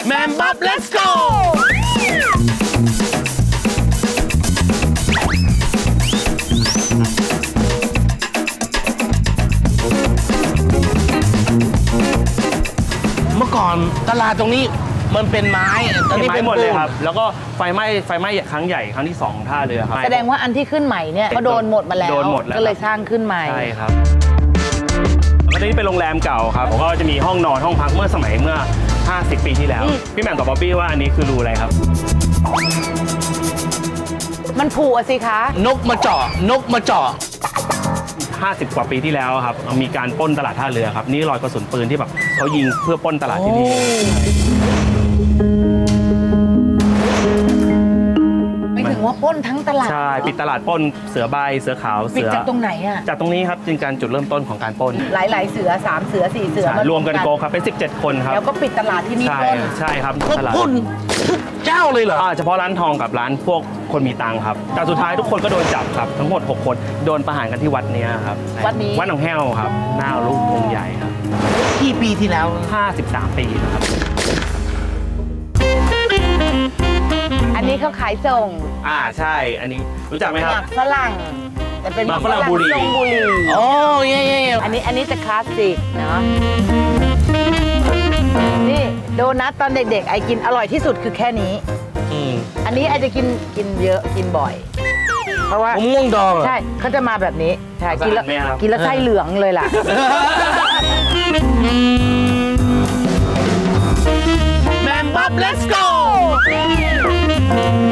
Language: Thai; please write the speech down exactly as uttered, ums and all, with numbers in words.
แมมบ๊อบ let's go เมื่อก่อนตลาดตรงนี้มันเป็นไม้ตอนนี้เป็นหมดเลยครับแล้วก็ไฟไหม้ไฟไหม้ครั้งใหญ่ครั้งที่สองท่าเรือครับแสดงว่าอันที่ขึ้นใหม่เนี่ยก็โดนหมดมาแล้วก็เลยสร้างขึ้นใหม่ใช่ครับแล้วนี่เป็นโรงแรมเก่าครับผมก็จะมีห้องนอนห้องพักเมื่อสมัยเมื่อห้าสิบปีที่แล้วพี่แหม่มกับบ๊อบบี้ว่าอันนี้คือรูอะไรครับมันผูอะสิคะนกมาเจาะนกมาเจาะห้าสิบกว่าปีที่แล้วครับมีการปล้นตลาดท่าเรือครับนี่รอยกระสุนปืนที่แบบเขายิงเพื่อปล้นตลาดที่นี่ไม่ถึงว่าปล้นทั้งตลาดใช่ปิดตลาดปล้นเสือใบเสือขาวเสือจากตรงไหนอ่ะจากตรงนี้ครับจึงการจุดเริ่มต้นของการปล้นหลายๆเสือสามเสือสี่เสือรวมกันโกครับเป็นสิบเจ็ดคนครับแล้วก็ปิดตลาดที่นี่ปล้นใช่ครับตลาดปล้นทุกเจ้าเลยเหรอเฉพาะร้านทองกับร้านพวกคนมีตังค์ครับแต่สุดท้ายทุกคนก็โดนจับครับทั้งหมดหกคนโดนประหารกันที่วัดนี้ครับวัดนี้วัดหนองแห้วครับหน้ารูปองค์ใหญ่ครับกี่ปีที่แล้วห้าสิบสามปีนะครับอันนี้เขาขายส่งอ่าใช่อันนี้รู้จักไหมครับหมากฝรั่งแต่เป็นหมากฝรั่งบุรีบุรีโอ้ยๆอันนี้อันนี้จะคลาสสิกเนาะนี่โดนัทตอนเด็กๆไอกินอร่อยที่สุดคือแค่นี้อันนี้ไอจะกินกินเยอะกินบ่อยเพราะว่ามะม่วงดองใช่เขาจะมาแบบนี้ใช่กินแล้วกินแล้วไส้เหลืองเลยล่ะแมมบ๊อบ let's go